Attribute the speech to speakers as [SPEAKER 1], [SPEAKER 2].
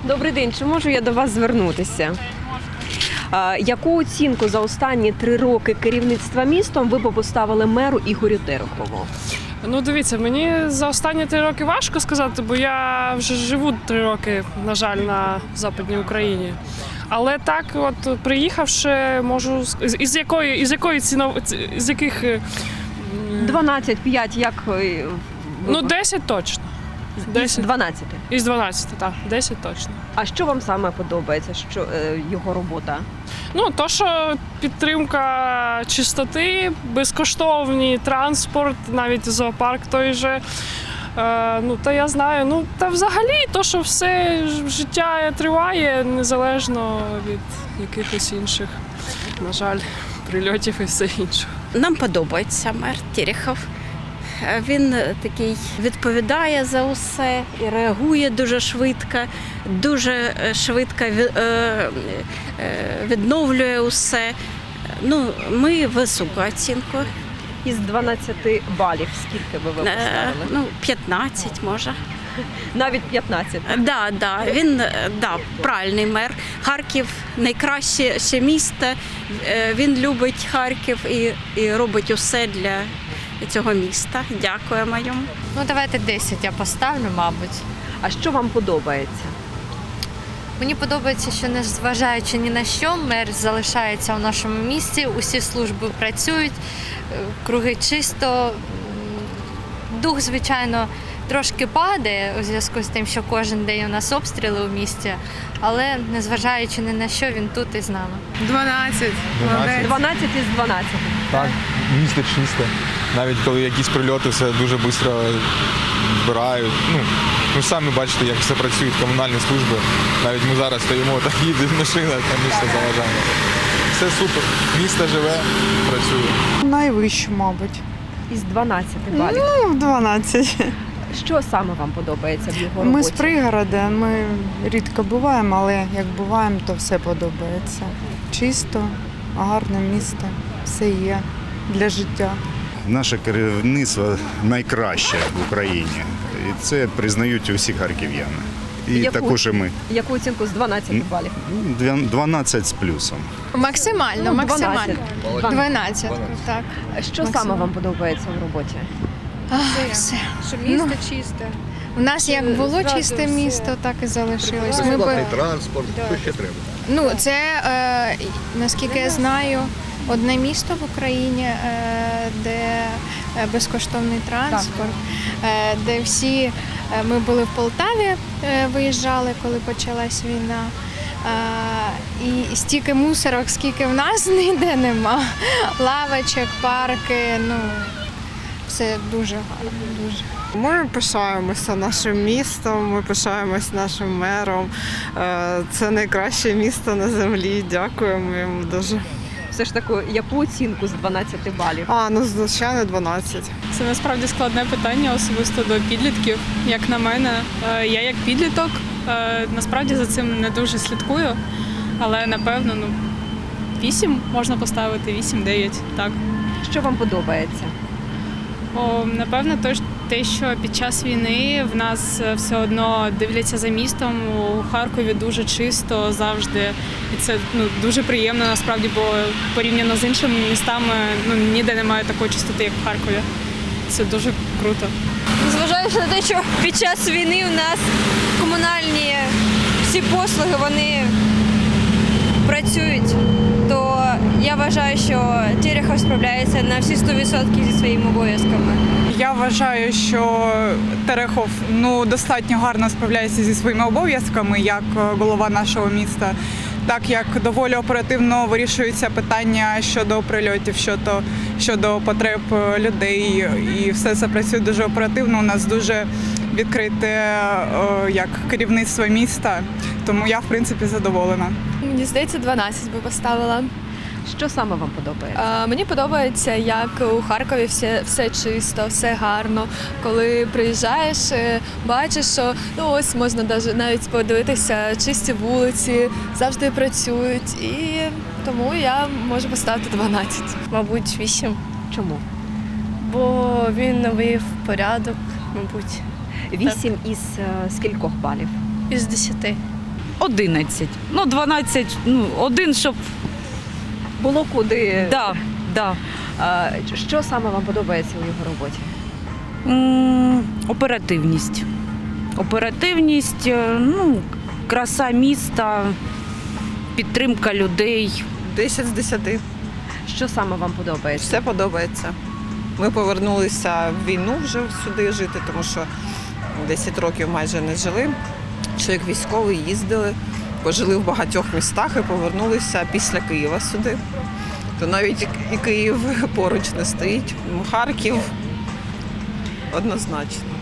[SPEAKER 1] Добрий день, чи можу я до вас звернутися? Яку оцінку за останні 3 роки керівництва містом ви б поставили меру Ігорю Терехову?
[SPEAKER 2] Ну, дивіться, мені за останні 3 роки важко сказати, бо я вже живу 3 роки, на жаль, на Западній Україні. Але так, от приїхавши, можу із яких
[SPEAKER 1] 12, 5, як?
[SPEAKER 2] ну 10 точно. 10.
[SPEAKER 1] 12.
[SPEAKER 2] Із 12, так, 10 точно.
[SPEAKER 1] А що вам саме подобається, що його робота?
[SPEAKER 2] Ну, то, що підтримка чистоти, безкоштовний транспорт, навіть зоопарк той же. Ну, та я знаю, ну, та взагалі, то, що все життя триває, незалежно від якихось інших, на жаль, прильотів і все інше.
[SPEAKER 3] Нам подобається мер Терехов. Він такий відповідає за усе і реагує дуже швидко відновлює усе. Ну, ми високу оцінку.
[SPEAKER 1] Із 12 балів скільки би ви поставили?
[SPEAKER 3] Ну, 15 може.
[SPEAKER 1] Навіть 15?
[SPEAKER 3] Да, він правильний мер. Харків найкраще ще місто. Він любить Харків і робить усе для цього міста. Дякуємо йому.
[SPEAKER 4] Ну, давайте 10 я поставлю, мабуть.
[SPEAKER 1] А що вам подобається?
[SPEAKER 4] Мені подобається, що незважаючи ні на що, мер залишається у нашому місті, усі служби працюють, круги чисто. Дух, звичайно, трошки падає у зв'язку з тим, що кожен день у нас обстріли у місті, але незважаючи ні на що, він тут і з нами.
[SPEAKER 5] 12.
[SPEAKER 1] 12 із 12.
[SPEAKER 6] Так, місто чисте. Навіть коли якісь прильоти, все дуже швидко збирають. Ну, самі бачите, як все працюють комунальні служби. Навіть ми зараз стоїмо, так їде машина, там ми все заважаємо. Все супер. Місто живе, працює.
[SPEAKER 5] Найвищу, мабуть.
[SPEAKER 1] Із 12 балів.
[SPEAKER 5] Ну, 12.
[SPEAKER 1] Що саме вам подобається в його роботі?
[SPEAKER 5] Ми з пригорода, ми рідко буваємо, але як буваємо, то все подобається. Чисто, гарне місто, все є для життя.
[SPEAKER 7] Наше керівництво найкраще в Україні. І це признають усі харків'яни. І також і ми.
[SPEAKER 1] Яку оцінку з 12 балів?
[SPEAKER 7] 12 з плюсом.
[SPEAKER 8] Максимально,
[SPEAKER 1] Ну,
[SPEAKER 8] максимально.
[SPEAKER 1] 12.
[SPEAKER 8] 12, так.
[SPEAKER 1] Що саме вам подобається в роботі?
[SPEAKER 8] Все.
[SPEAKER 9] Що місто чисте.
[SPEAKER 8] У нас як було
[SPEAKER 9] Зразу
[SPEAKER 8] чисте
[SPEAKER 9] все.
[SPEAKER 8] місто, так і залишилось.
[SPEAKER 10] Транспорт, що ще треба?
[SPEAKER 8] Ну, це, наскільки я знаю, одне місто в Україні, де безкоштовний транспорт, де всі, ми були в Полтаві, виїжджали, коли почалась війна. І стільки мусорок, скільки в нас ніде нема. Лавочок, парки, ну, все дуже гарно, дуже.
[SPEAKER 5] Ми пишаємося нашим містом, ми пишаємося нашим мером. Це найкраще місто на землі. Дякуємо йому дуже.
[SPEAKER 1] Все ж таки, яку оцінку з 12 балів?
[SPEAKER 5] Ну, звичайно, 12.
[SPEAKER 2] Це насправді складне питання особисто до підлітків. Як на мене, я як підліток насправді за цим не дуже слідкую, але напевно 8 можна поставити, 8-9, так.
[SPEAKER 1] Що вам подобається?
[SPEAKER 2] Напевно, те, що під час війни в нас все одно дивляться за містом, у Харкові дуже чисто завжди. І це дуже приємно насправді, бо порівняно з іншими містами ніде немає такої чистоти, як в Харкові. Це дуже круто.
[SPEAKER 9] Зважаючи на те, що під час війни у нас комунальні всі послуги, вони працюють, то я вважаю, що Терехов справляється на всі 100% зі своїми обов'язками.
[SPEAKER 5] Я вважаю, що Терехов достатньо гарно справляється зі своїми обов'язками як голова нашого міста, так як доволі оперативно вирішуються питання щодо прильотів, щодо потреб людей, і все це працює дуже оперативно. У нас дуже відкрите як керівництво міста, тому я в принципі задоволена.
[SPEAKER 9] Мені здається, 12 би поставила.
[SPEAKER 1] Що саме вам подобається?
[SPEAKER 9] Мені подобається, як у Харкові все чисто, все гарно. Коли приїжджаєш, бачиш, що ось можна навіть подивитися, чисті вулиці, завжди працюють. І тому я можу поставити 12.
[SPEAKER 4] Мабуть, 8.
[SPEAKER 1] Чому?
[SPEAKER 4] Бо він навів порядок, мабуть.
[SPEAKER 1] 8 із скількох балів?
[SPEAKER 4] Із 10.
[SPEAKER 11] 11. Ну, 12, один, щоб...
[SPEAKER 1] Було куди.
[SPEAKER 11] Да.
[SPEAKER 1] Що саме вам подобається у його роботі?
[SPEAKER 11] Оперативність. Оперативність, краса міста, підтримка людей.
[SPEAKER 12] 10 з 10.
[SPEAKER 1] Що саме вам подобається?
[SPEAKER 12] Все подобається. Ми повернулися в війну вже сюди жити, тому що 10 років майже не жили. Що як військові їздили, пожили в багатьох містах і повернулися після Києва сюди. То навіть і Київ поруч не стоїть. Харків однозначно.